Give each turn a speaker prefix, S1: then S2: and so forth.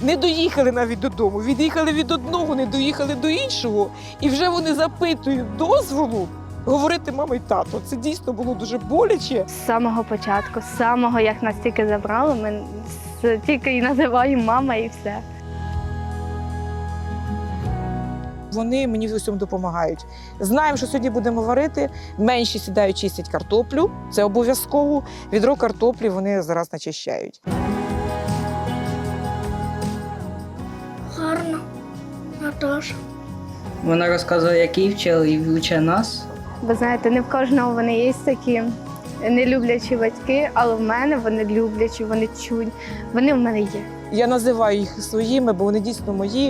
S1: не доїхали навіть додому, від'їхали від одного, не доїхали до іншого, і вже вони запитують дозволу говорити мама й тато. Це дійсно було дуже боляче.
S2: З самого початку, з самого, як нас тільки забрали, ми тільки і називаємо мама і все.
S1: Вони мені в усьому допомагають. Знаємо, що сьогодні будемо варити. Менші сідають, чистять картоплю. Це обов'язково. Відро картоплі вони зараз начищають.
S3: Гарно, Наташа.
S4: Вона розказує, як її вчили, і вчить нас.
S2: Ви знаєте, не в кожного вони є такі нелюблячі батьки, але в мене вони люблячі, вони чують, вони в мене є.
S1: Я називаю їх своїми, бо вони дійсно мої.